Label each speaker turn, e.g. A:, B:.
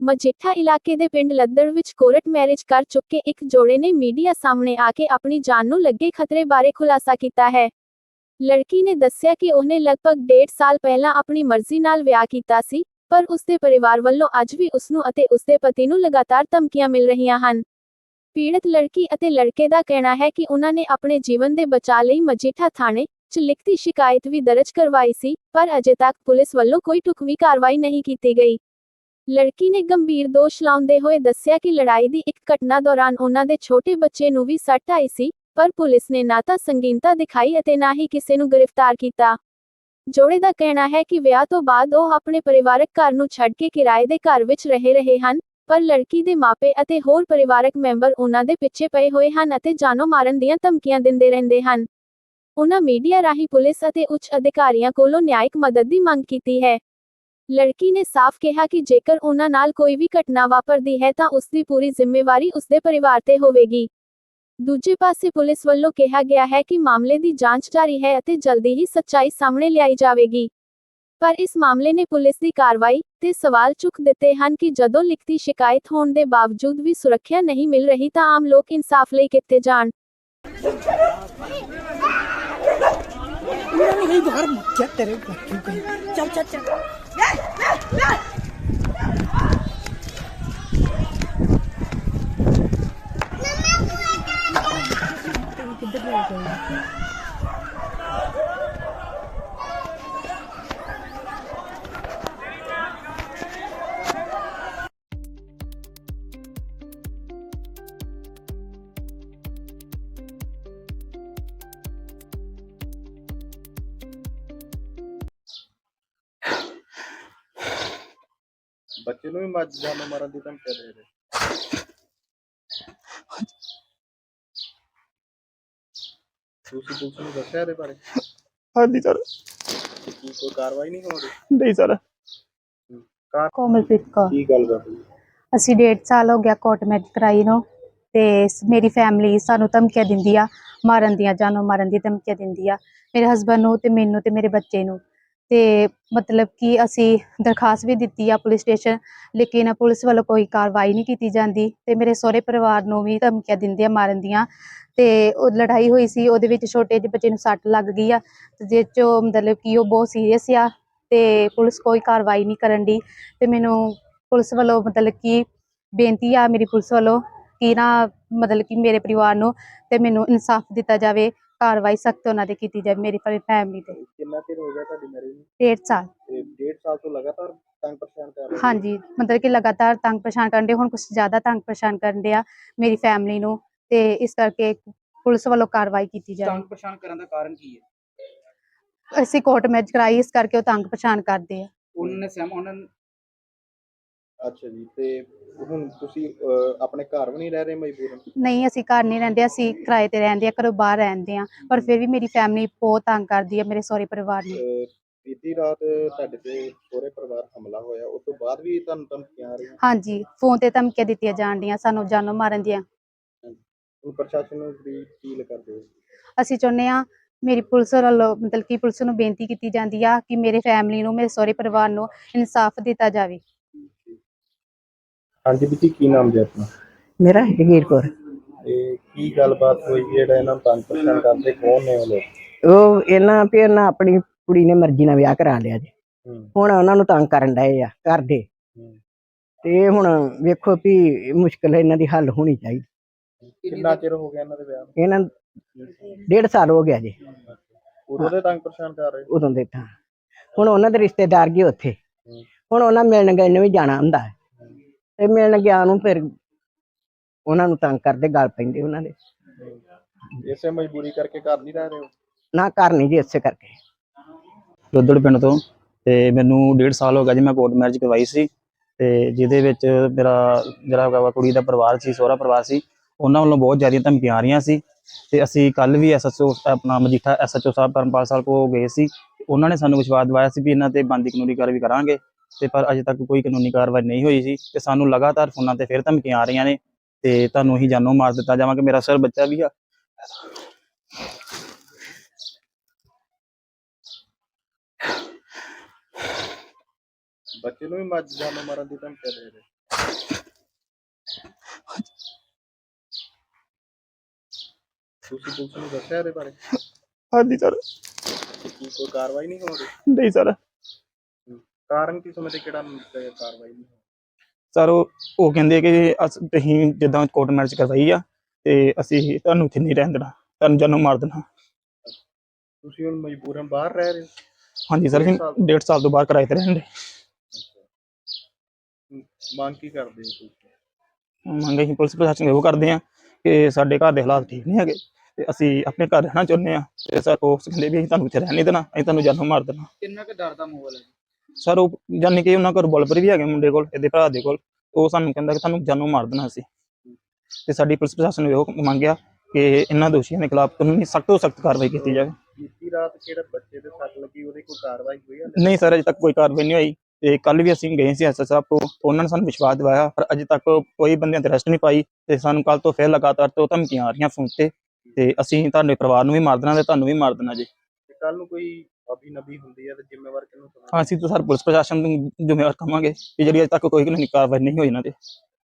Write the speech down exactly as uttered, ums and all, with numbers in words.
A: ਮਜੀਠਾ ਇਲਾਕੇ ਦੇ ਪਿੰਡ ਲੱਦੜ ਵਿੱਚ ਕੋਰਟ ਮੈਰਿਜ ਕਰ ਚੁੱਕੇ ਇੱਕ ਜੋੜੇ ਨੇ ਮੀਡੀਆ ਸਾਹਮਣੇ ਆ ਕੇ ਆਪਣੀ ਜਾਨ ਨੂੰ ਲੱਗੇ ਖਤਰੇ ਬਾਰੇ ਖੁਲਾਸਾ ਕੀਤਾ ਹੈ। ਲੜਕੀ ਨੇ ਦੱਸਿਆ ਕਿ ਉਹਨੇ ਲਗਭਗ ਡੇਢ ਸਾਲ ਪਹਿਲਾਂ ਆਪਣੀ ਮਰਜ਼ੀ ਨਾਲ ਵਿਆਹ ਕੀਤਾ ਸੀ, ਪਰ ਉਸਦੇ ਪਰਿਵਾਰ ਵੱਲੋਂ ਅੱਜ ਵੀ ਉਸਨੂੰ ਅਤੇ ਉਸਦੇ ਪਤੀ ਨੂੰ ਲਗਾਤਾਰ ਧਮਕੀਆਂ ਮਿਲ ਰਹੀਆਂ ਹਨ। ਪੀੜਤ ਲੜਕੀ ਅਤੇ ਲੜਕੇ ਦਾ ਕਹਿਣਾ ਹੈ ਕਿ ਉਹਨਾਂ ਨੇ ਆਪਣੇ ਜੀਵਨ ਦੇ ਬਚਾਅ ਲਈ ਮਜੀਠਾ ਥਾਣੇ 'ਚ ਲਿਖਤੀ ਸ਼ਿਕਾਇਤ ਵੀ ਦਰਜ ਕਰਵਾਈ ਸੀ, ਪਰ ਅਜੇ ਤੱਕ ਪੁਲਿਸ ਵੱਲੋਂ ਕੋਈ ਢੁਕਵੀਂ ਕਾਰਵਾਈ ਨਹੀਂ ਕੀਤੀ ਗਈ। ਲੜਕੀ ਨੇ ਗੰਭੀਰ ਦੋਸ਼ ਲਾਉਂਦੇ ਹੋਏ ਦੱਸਿਆ ਕਿ ਲੜਾਈ ਦੀ ਇੱਕ ਘਟਨਾ ਦੌਰਾਨ ਉਹਨਾਂ ਦੇ ਛੋਟੇ ਬੱਚੇ ਨੂੰ ਵੀ ਸੱਟ ਆਈ ਸੀ, ਪਰ ਪੁਲਿਸ ਨੇ ਨਾ ਤਾਂ ਸੰਗੀਨਤਾ ਦਿਖਾਈ ਅਤੇ ਨਾ ਹੀ ਕਿਸੇ ਨੂੰ ਗ੍ਰਿਫਤਾਰ ਕੀਤਾ। ਜੋੜੇ ਦਾ ਕਹਿਣਾ ਹੈ ਕਿ ਵਿਆਹ ਤੋਂ ਬਾਅਦ ਉਹ ਆਪਣੇ ਪਰਿਵਾਰਕ ਘਰ ਨੂੰ ਛੱਡ ਕੇ ਕਿਰਾਏ ਦੇ ਘਰ ਵਿੱਚ ਰਹਿ ਰਹੇ ਹਨ, ਪਰ ਲੜਕੀ ਦੇ ਮਾਪੇ ਅਤੇ ਹੋਰ ਪਰਿਵਾਰਕ ਮੈਂਬਰ ਉਹਨਾਂ ਦੇ ਪਿੱਛੇ ਪਏ ਹੋਏ ਹਨ ਅਤੇ ਜਾਨੋਂ ਮਾਰਨ ਦੀਆਂ ਧਮਕੀਆਂ ਦਿੰਦੇ ਰਹਿੰਦੇ ਹਨ। ਉਹਨਾਂ ਮੀਡੀਆ ਰਾਹੀਂ ਪੁਲਿਸ ਅਤੇ ਉੱਚ ਅਧਿਕਾਰੀਆਂ ਕੋਲੋਂ ਨਿਆਇਕ ਮਦਦ ਦੀ ਮੰਗ ਕੀਤੀ ਹੈ। ਲੜਕੀ ਨੇ ਸਾਫ਼ ਕਿਹਾ ਕਿ ਜੇਕਰ ਉਹਨਾਂ ਨਾਲ ਕੋਈ ਵੀ ਘਟਨਾ ਵਾਪਰਦੀ ਹੈ ਤਾਂ ਉਸ ਦੀ ਪੂਰੀ ਜ਼ਿੰਮੇਵਾਰੀ ਉਸਦੇ ਪਰਿਵਾਰ ਤੇ ਹੋਵੇਗੀ। ਦੂਜੇ ਪਾਸੇ ਪੁਲਿਸ ਵੱਲੋਂ ਕਿਹਾ ਗਿਆ ਹੈ ਕਿ ਮਾਮਲੇ ਦੀ ਜਾਂਚ ਜਾਰੀ ਹੈ ਅਤੇ ਜਲਦੀ ਹੀ ਸੱਚਾਈ ਸਾਹਮਣੇ ਲਿਆਈ ਜਾਵੇਗੀ। ਪਰ ਇਸ ਮਾਮਲੇ ਨੇ ਪੁਲਿਸ ਦੀ ਕਾਰਵਾਈ ਤੇ ਸਵਾਲ ਚੁੱਕ ਦਿੱਤੇ ਹਨ ਕਿ ਜਦੋਂ ਲਿਖਤੀ ਸ਼ਿਕਾਇਤ ਹੋਣ ਦੇ ਬਾਵਜੂਦ ਵੀ ਸੁਰੱਖਿਆ ਨਹੀਂ ਮਿਲ ਰਹੀ ਤਾਂ ਆਮ ਲੋਕ ਇਨਸਾਫ ਲਈ ਕਿੱਥੇ ਜਾਣ।
B: चल चल चल
C: ਬੱਚੇ ਨੂੰ ਵੀ ਮੱਝ ਜਾਨੋਂ ਮਾਰਨ ਦੀ ਧਮਕੀ ਦੇ ਰਹੇ। ਤੁਸੀਂ ਪੁਲਿਸ ਨੂੰ ਦੱਸਿਆ ਇਹਦੇ ਬਾਰੇ?
D: ਹਾਂਜੀ ਸਰ।
C: ਕੀ ਕੋਈ ਕਾਰਵਾਈ ਨਹੀਂ ਹੋ ਰਹੀ?
D: ਨਹੀਂ ਸਰ।
E: ਕੋਮਲਪ੍ਰੀਤ ਕੌਰ।
C: ਕੀ ਗੱਲ ਕਰ ਰਹੀ?
E: ਅਸੀਂ ਡੇਢ ਸਾਲ ਹੋ ਗਿਆ ਕੋਰਟ ਮੈਰਿਜ ਕਰਾਈ ਨੂੰ, ਤੇ ਮੇਰੀ ਫੈਮਿਲੀ ਸਾਨੂੰ ਧਮਕੀਆਂ ਦਿੰਦੀ ਆ, ਮਾਰਨ ਦੀਆਂ, ਜਾਨੋਂ ਮਾਰਨ ਦੀ ਧਮਕੀਆਂ ਦਿੰਦੀ ਆ ਮੇਰੇ ਹਸਬੈਂਡ ਨੂੰ ਤੇ ਮੈਨੂੰ ਤੇ ਮੇਰੇ ਬੱਚੇ ਨੂੰ। ਤੇ ਮਤਲਬ ਕਿ ਅਸੀਂ ਦਰਖਾਸਤ ਵੀ ਦਿੱਤੀ ਆ ਪੁਲਿਸ ਸਟੇਸ਼ਨ, ਲੇਕਿਨ ਪੁਲਿਸ ਵੱਲੋਂ ਕੋਈ ਕਾਰਵਾਈ ਨਹੀਂ ਕੀਤੀ ਜਾਂਦੀ ਤੇ ਮੇਰੇ ਸਹੁਰੇ ਪਰਿਵਾਰ ਨੂੰ ਵੀ ਧਮਕੀਆਂ ਦਿੰਦੇ ਆ ਮਾਰਨ ਦੀਆਂ। ਤੇ ਉਹ ਲੜਾਈ ਹੋਈ ਸੀ, ਉਹਦੇ ਵਿੱਚ ਛੋਟੇ ਜਿਹੇ ਬੱਚੇ ਨੂੰ ਸੱਟ ਲੱਗ ਗਈ ਆ, ਜਿਸ 'ਚੋਂ ਮਤਲਬ ਕਿ ਉਹ ਬਹੁਤ ਸੀਰੀਅਸ ਆ ਤੇ ਪੁਲਿਸ ਕੋਈ ਕਾਰਵਾਈ ਨਹੀਂ ਕਰਨ ਦੀ। ਤੇ ਮੈਨੂੰ ਪੁਲਿਸ ਵੱਲੋਂ ਮਤਲਬ ਕਿ ਬੇਨਤੀ ਆ ਮੇਰੀ ਪੁਲਿਸ ਵੱਲੋਂ ਕਿ ਨਾ ਮਤਲਬ ਕਿ ਮੇਰੇ ਪਰਿਵਾਰ ਨੂੰ ਤੇ ਮੈਨੂੰ ਇਨਸਾਫ ਦਿੱਤਾ ਜਾਵੇ, ਕਾਰਵਾਈ ਸਖਤ ਉਹਨਾਂ ਤੇ ਕੀਤੀ ਜਾਵੇ ਮੇਰੀ ਫੈਮਿਲੀ ਤੇ।
C: ਕਿੰਨਾ ਚਿਰ ਹੋ ਗਿਆ ਤੁਹਾਡੀ ਮੈਰਿਜ ਨੂੰ?
E: ਡੇਢ ਸਾਲ।
C: ਤੇ ਡੇਢ ਸਾਲ ਤੋਂ ਲਗਾਤਾਰ ਤੰਗ ਪਰੇਸ਼ਾਨ ਕਰ ਰਹੇ?
E: ਹਾਂਜੀ, ਮਤਲਬ ਕਿ ਲਗਾਤਾਰ ਤੰਗ ਪਰੇਸ਼ਾਨ ਕਰਨ ਦੇ, ਹੁਣ ਕੁਛ ਜ਼ਿਆਦਾ ਤੰਗ ਪਰੇਸ਼ਾਨ ਕਰਨ ਦੇ ਆ ਮੇਰੀ ਫੈਮਿਲੀ ਨੂੰ, ਤੇ ਇਸ ਕਰਕੇ ਪੁਲਿਸ ਵੱਲੋਂ ਕਾਰਵਾਈ ਕੀਤੀ ਜਾਵੇ।
F: ਤੰਗ ਪਰੇਸ਼ਾਨ ਕਰਨ ਦਾ ਕਾਰਨ ਕੀ ਹੈ?
E: ਅਸੀਂ ਕੋਰਟ ਮੈਰਿਜ ਕਰਾਈ, ਇਸ ਕਰਕੇ ਉਹ ਤੰਗ ਪਰੇਸ਼ਾਨ ਕਰਦੇ ਆ।
F: ਉਹਨਾਂ ਨੇ ਸਹਿਮ ਉਹਨਾਂ ਨੇ
C: ਅੱਛਾ ਜੀ, ਤੇ ਹੁਣ ਤੁਸੀਂ ਅਹ, ਆਪਣੇ ਘਰ ਵੀ ਨਹੀਂ ਰਹਿ ਰਹੇ ਮਜਬੂਰਨ?
E: ਨਹੀਂ, ਅਸੀਂ ਘਰ ਨਹੀਂ ਰਹਿੰਦੇ, ਅਸੀਂ ਕਿਰਾਏ ਤੇ ਰਹਿੰਦੇ ਆ, ਘਰੋਂ ਬਾਹਰ ਰਹਿੰਦੇ ਆ, ਪਰ ਫਿਰ ਵੀ ਮੇਰੀ ਫੈਮਿਲੀ ਬਹੁਤ ਤੰਗ ਕਰਦੀ ਆ ਮੇਰੇ ਸਹੁਰੇ ਪਰਿਵਾਰ ਨੂੰ।
C: ਅਹ, ਬੀਤੀ ਰਾਤ ਤੁਹਾਡੇ ਤੇ ਸਹੁਰੇ ਪਰਿਵਾਰ ਹਮਲਾ ਹੋਇਆ, ਉਸ ਤੋਂ ਬਾਅਦ ਵੀ ਤੁਹਾਨੂੰ ਧਮਕੀਆਂ ਆ ਰਹੀਆਂ?
E: ਹਾਂਜੀ, ਫੋਨ ਤੇ ਧਮਕੀਆਂ ਦਿੱਤੀਆਂ ਜਾਣ ਡੀਆਂ ਸਾਨੂੰ, ਜਾਨੋਂ ਮਾਰਨ ਦੀਆਂ।
C: ਹੁਣ ਪ੍ਰਸ਼ਾਸਨ ਨੂੰ ਕੀ ਅਪੀਲ ਕਰਦੇ ਹੋ?
E: ਅਸੀਂ ਚਾਹੁੰਦੇ ਆ ਮੇਰੀ ਪੁਲਿਸ ਵੱਲੋਂ ਮਤਲਬ ਕਿ ਪੁਲਿਸ ਨੂੰ ਬੇਨਤੀ ਕੀਤੀ ਜਾਂਦੀ ਆ ਕਿ ਮੇਰੇ ਫੈਮਿਲੀ ਨੂੰ, ਮੇਰੇ ਸਹੁਰੇ ਪਰਿਵਾਰ ਨੂੰ ਇਨਸਾਫ ਦਿੱਤਾ ਜਾਵੇ।
C: ਹਾਂਜੀ ਬੀਤੀ, ਕੀ ਨਾਮ ਜੀ ਆਪਣਾ?
B: मेरा जगीर कौर।
C: ਤੇ ਕੀ ਗੱਲਬਾਤ ਹੋਈ ਜਿਹੜਾ ਇਹਨਾਂ ਨੂੰ ਤੰਗ ਪਰੇਸ਼ਾਨ ਕਰਦੇ? ਕੌਣ ਨੇ ਉਹ ਲੋਕ?
B: ਉਹ ਇਹਨਾਂ ਵੀ ਇਹਨਾਂ ਆਪਣੀ ਕੁੜੀ ਨੇ ਮਰਜ਼ੀ ਨਾਲ ਵਿਆਹ ਕਰਾ ਲਿਆ ਜੀ,
C: ਹੂੰ
B: ਹੁਣ ਉਹਨਾਂ ਨੂੰ ਤੰਗ ਕਰਨ ਡਏ ਆ ਘਰ ਦੇ।
C: ਹੂੰ।
B: ਤੇ ਹੁਣ ਵੇਖੋ ਵੀ ਮੁਸ਼ਕਿਲ ਇਹਨਾਂ ਦੀ ਹੱਲ ਹੋਣੀ ਚਾਹੀਦੀ।
C: ਕਿੰਨਾ ਚਿਰ ਹੋ ਗਿਆ ਇਹਨਾਂ ਦੇ ਵਿਆਹ ਨੂੰ?
B: ਇਹਨਾਂ ਨੂੰ ਡੇਢ ਸਾਲ ਹੋ ਗਿਆ ਜੀ,
C: ਉਦੋਂ ਦੇ ਤੰਗ ਪਰੇਸ਼ਾਨ ਕਰ ਰਹੇ?
B: ਉਦੋਂ ਦੇ ਤਾਂ। ਹੁਣ ਉਹਨਾਂ ਦੇ ਰਿਸ਼ਤੇਦਾਰ ਗਏ ਉੱਥੇ,
C: ਹੂੰ।
B: ਹੁਣ ਉਹਨਾਂ ਮਿਲਣ ਗਏ ਨੂੰ ਵੀ ਜਾਣਾ ਹੁੰਦਾ ਹੈ, ਤੇ ਮਿਲਣ ਗਿਆ ਨੂੰ ਫਿਰ ਉਹਨਾਂ ਨੂੰ ਤੰਗ ਕਰਦੇ, ਗਲ ਪੈਂਦੇ ਉਹਨਾਂ ਦੇ।
C: ਇਸੇ ਮਜਬੂਰੀ ਕਰਕੇ ਘਰ ਨਹੀਂ ਰਹਿ ਰਹੇ ਹੋ?
B: ਨਾ ਘਰ ਨਹੀਂ ਜੀ, ਇਸੇ ਕਰਕੇ।
G: ਲੱਦੜ ਪਿੰਡ ਤੋਂ, ਤੇ ਮੈਨੂੰ ਡੇਢ ਸਾਲ ਹੋ ਗਿਆ ਜੀ। ਮੈਂ ਕੋਰਟ ਮੈਰਿਜ ਕਰਵਾਈ ਸੀ, ਤੇ ਜਿਹਦੇ ਵਿੱਚ ਮੇਰਾ ਜਿਹੜਾ ਹੈਗਾ ਵਾ ਕੁੜੀ ਦਾ ਪਰਿਵਾਰ ਸੀ, ਸਹੁਰਾ ਪਰਿਵਾਰ ਸੀ, ਉਹਨਾਂ ਵੱਲੋਂ ਬਹੁਤ ਜ਼ਿਆਦਾ ਧਮਕੀਆਂ ਆ ਰਹੀਆਂ ਸੀ। ਤੇ ਅਸੀਂ ਕੱਲ ਵੀ ਐਸ ਐਚ ਓ ਆਪਣਾ ਮਜੀਠਾ ਐਸ ਐਚ ਓ ਸਾਹਿਬ ਧਰਮਪਾਲ ਸਾਹਿਬ ਕੋਲ ਗਏ ਸੀ, ਉਹਨਾਂ ਨੇ ਸਾਨੂੰ ਵਿਸ਼ਵਾਸ ਦਿਵਾਇਆ ਸੀ ਵੀ ਇਹਨਾਂ ਤੇ ਬਣਦੀ ਕਾਨੂੰਨੀ ਕਾਰਵਾਈ ਕਰਾਂਗੇ, ਤੇ ਪਰ ਅਜੇ ਤੱਕ ਕੋਈ ਕਾਨੂੰਨੀ ਕਾਰਵਾਈ ਨਹੀਂ ਹੋਈ ਸੀ। ਤੇ ਸਾਨੂੰ ਲਗਾਤਾਰ ਫੋਨਾਂ ਤੇ ਫਿਰ ਧਮਕੀਆਂ ਆ ਰਹੀਆਂ ਨੇ, ਤੇ ਤੁਹਾਨੂੰ ਅਸੀਂ ਜਾਨੋਂ ਮਾਰ ਦਿੱਤਾ ਜਾਵਾਂਗੇ, ਮੇਰਾ ਸਰ ਬੱਚਾ ਵੀ ਆ।
C: ਬੱਚੇ ਨੂੰ ਵੀ ਮੱਝ ਜਾਨੋਂ ਮਾਰਨ ਦੀ ਧਮਕੀ ਦੇ ਰਹੇ? ਤੁਸੀਂ ਪੁਲਿਸ ਨੂੰ ਦੱਸਿਆ ਇਹਦੇ ਬਾਰੇ?
G: ਹਾਂਜੀ ਸਰ।
C: ਕੀ ਕੋਈ ਕਾਰਵਾਈ ਨਹੀਂ ਹੋ ਰਹੀ?
G: ਨਹੀਂ ਸਰ।
C: ਕਾਰਨ ਕੀ ਸਮਝਦੇ ਕਿਹੜਾ ਤੇ ਕਾਰਵਾਈ ਨਹੀਂ ਹੋ
G: ਸਰ ਉਹ ਉਹ ਕਹਿੰਦੇ ਕਿ ਅਸ ਤੁਸੀਂ ਜਿੱਦਾਂ ਕੋਰਟ ਮੈਰਿਜ ਕਰਵਾਈ ਆ ਤੇ ਅਸੀਂ ਤੁਹਾਨੂੰ ਇੱਥੇ ਨਹੀਂ ਰਹਿਣ ਦੇਣਾ, ਤੁਹਾਨੂੰ ਜਾਨੋਂ ਮਾਰ ਦੇਣਾ।
C: ਰਹੀ? ਤੁਸੀਂ ਹੁਣ ਮਜਬੂਰਨ ਬਾਹਰ ਰਹਿ ਰਹੇ ਹੋ?
G: ਹਾਂਜੀ ਸਰ, ਅਸੀਂ
C: ਡੇਢ ਸਾਲ ਤੋਂ?
G: ਡੇਢ ਸਾਲ ਤੋਂ ਬਾਹਰ ਕਿਰਾਏ ਤੇ ਰਹਿਣ ਦੇ।
C: ਹਮ, ਮੰਗ ਕੀ ਕਰਦੇ ਹੋ ਤੁਸੀਂ?
G: ਮੰਗ ਅਸੀਂ ਪੁਲਿਸ ਪ੍ਰਸ਼ਾਸਨ ਨੂੰ ਇਹੋ ਕਰਦੇ ਹਾਂ ਕਿ ਸਾਡੇ ਘਰ ਦੇ ਹਾਲਾਤ ਠੀਕ ਨਹੀਂ ਹੈਗੇ ਤੇ ਅਸੀਂ ਆਪਣੇ ਘਰ ਰਹਿਣਾ ਚਾਹੁੰਦੇ ਹਾਂ ਤੇ ਸਰ ਉਹ ਕਹਿੰਦੇ ਵੀ ਅਸੀਂ ਤੁਹਾਨੂੰ ਇੱਥੇ ਰਹਿਣ ਨਹੀਂ ਦੇਣਾ, ਅਸੀਂ ਤੁਹਾਨੂੰ ਜਾਨੋਂ ਮਾਰ ਦੇਣਾ।
F: ਕਿੰਨਾ ਕੁ ਡਰ ਦਾ ਮਾਹੌਲ ਹੈ?
G: ਸਰ ਉਹ ਜਾਨੀ ਕਿ ਉਹਨਾਂ ਕੋਲ ਰਿਵਾਲਵਰ ਵੀ ਹੈਗੇ ਮੁੰਡੇ ਕੋਲ, ਇਹਦੇ ਭਰਾ ਦੇ ਕੋਲ। ਉਹ ਸਾਨੂੰ ਕਹਿੰਦਾ ਕਿ ਤੁਹਾਨੂੰ ਜਾਨੋਂ ਮਾਰ ਦੇਣਾ ਅਸੀਂ। ਤੇ ਸਾਡੀ ਪੁਲਿਸ ਪ੍ਰਸ਼ਾਸਨ ਨੂੰ ਇਹੋ ਮੰਗਿਆ ਕਿ ਇਹਨਾਂ ਦੋਸ਼ੀਆਂ ਦੇ ਖਿਲਾਫ ਕਾਨੂੰਨੀ ਸਖਤ ਤੋਂ ਸਖਤ ਕਾਰਵਾਈ ਕੀਤੀ ਜਾਵੇ।
C: ਬੀਤੀ ਰਾਤ ਕਿਹੜਾ ਬੱਚੇ ਦੇ ਸੱਟ ਲੱਗੀ ਉਹਦੀ ਕੋਈ ਕਾਰਵਾਈ ਹੋਈ ਹੈ?
G: ਨਹੀਂ ਸਰ, ਅਜੇ ਤੱਕ ਕੋਈ ਕਾਰਵਾਈ ਨਹੀਂ ਹੋਈ ਤੇ ਕੱਲ ਵੀ ਅਸੀਂ ਗਏ ਸੀ ਐਸ ਐਸ ਸਾਹਿਬ ਕੋਲ, ਉਹਨਾਂ ਨੇ ਸਾਨੂੰ ਵਿਸ਼ਵਾਸ ਦਿਵਾਇਆ ਪਰ ਅਜੇ ਤੱਕ ਕੋਈ ਬੰਦਿਆਂ ਤੇ ਅਰੈਸਟ ਨਹੀਂ ਪਾਈ ਤੇ ਸਾਨੂੰ ਕੱਲ ਤੋਂ ਫਿਰ ਲਗਾਤਾਰ ਤੋਂ ਧਮਕੀਆਂ ਆ ਰਹੀਆਂ ਫੋਨ ਤੇ ਤੇ ਅਸੀਂ ਤੁਹਾਡੇ ਪਰਿਵਾਰ ਨੂੰ ਵੀ ਮਾਰ ਦੇਣਾ ਤੇ ਤੁਹਾਨੂੰ ਵੀ ਮਾਰ ਦੇਣਾ ਜੀ।
C: ਤੇ ਕੱਲ ਨੂੰ ਕੋਈ ਅਭੀ ਨਬੀ ਹੁੰਦੀ ਹੈ ਤੇ ਜ਼ਿੰਮੇਵਾਰ ਕਿਹਨੂੰ ਸਮਝਦੇ?
G: ਹਾਂ, ਅਸੀਂ ਤਾਂ ਸਰ ਪੁਲਿਸ ਪ੍ਰਸ਼ਾਸਨ ਨੂੰ ਜ਼ਿੰਮੇਵਾਰ ਕਹਾਂਗੇ ਕਿ ਜਿਹੜੀ ਅਜੇ ਤੱਕ ਕੋਈ ਕਾਨੂੰਨੀ ਕਾਰਵਾਈ ਨਹੀਂ ਹੋਈ ਇਹਨਾਂ ਤੇ।